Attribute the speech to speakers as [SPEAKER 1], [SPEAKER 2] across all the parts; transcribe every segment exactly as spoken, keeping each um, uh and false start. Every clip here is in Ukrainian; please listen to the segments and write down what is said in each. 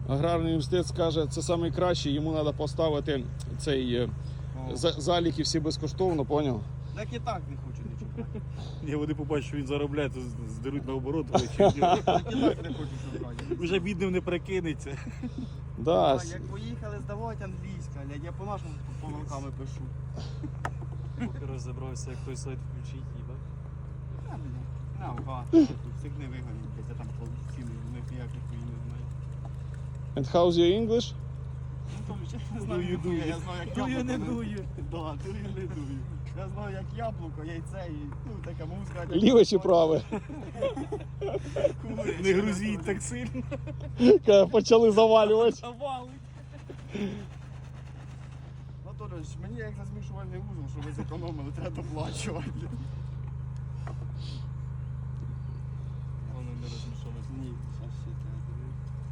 [SPEAKER 1] Аграрний університет скаже, це найкращий, йому треба поставити цей за- заліки всі безкоштовно, поняв?
[SPEAKER 2] Так і так не хочу нічого брати.
[SPEAKER 3] Ні, вони побачать, що він заробляє, то здеруть наоборот.
[SPEAKER 2] Так і так не хочу, щоб брати.
[SPEAKER 3] Вже бідним не прикинеться.
[SPEAKER 1] Да.
[SPEAKER 2] А, як поїхали здавати англійська, блядь, я по-нашому помилками пишу.
[SPEAKER 4] Поки розібрався, як той сайт включить, їбать.
[SPEAKER 2] А, блядь, наука. Всіх не вигонять, блядь, я там ціни, в них ніяких хуй не знаю.
[SPEAKER 1] And how's your English?
[SPEAKER 2] Ну, то вже не знаю,
[SPEAKER 3] Дую,
[SPEAKER 2] ніхуя,
[SPEAKER 3] дую.
[SPEAKER 2] я знаю, як
[SPEAKER 4] Дую, не
[SPEAKER 2] яблуко.
[SPEAKER 4] дую.
[SPEAKER 2] Да, дую, не дую. Я знаю, як яблуко, яйце і, ну, така музика.
[SPEAKER 1] Ліве чи праве?
[SPEAKER 3] Не грузіть так сильно.
[SPEAKER 1] Коли почали завалювати.
[SPEAKER 4] Завали.
[SPEAKER 2] Анатолійович, мені як за змішувальний вузол, що ви зекономили, треба доплачувати.
[SPEAKER 4] Воно не розмішалось.
[SPEAKER 2] Ні, зараз ще треба.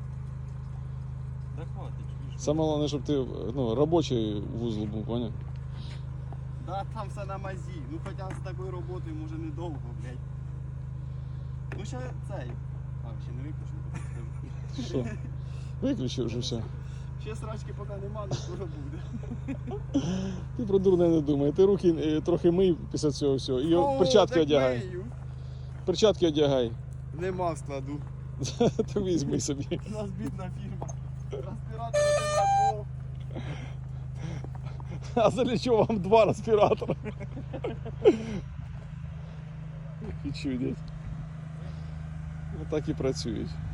[SPEAKER 4] Да хватить, чуєш.
[SPEAKER 1] Саме головне, щоб ти ну, робочий вузол був, поняв?
[SPEAKER 2] Да, там все на мазі. Ну хоча з такою роботою може недовго, блядь. Ну ще цей. А, ще не виключено.
[SPEAKER 1] Що? Виключив вже все.
[SPEAKER 2] Ще срачки поки нема, але скоро буде.
[SPEAKER 1] Ти про дурне не думай. Ти руки е, трохи мий після цього всього. І
[SPEAKER 2] О,
[SPEAKER 1] перчатки
[SPEAKER 2] так
[SPEAKER 1] одягай.
[SPEAKER 2] мию.
[SPEAKER 1] Перчатки одягай.
[SPEAKER 2] Нема в складу.
[SPEAKER 1] То візьми собі.
[SPEAKER 2] У нас бідна фірма. Респіратор один на двох.
[SPEAKER 1] А для чого вам два респіратора? І чудять. Отак і працюють.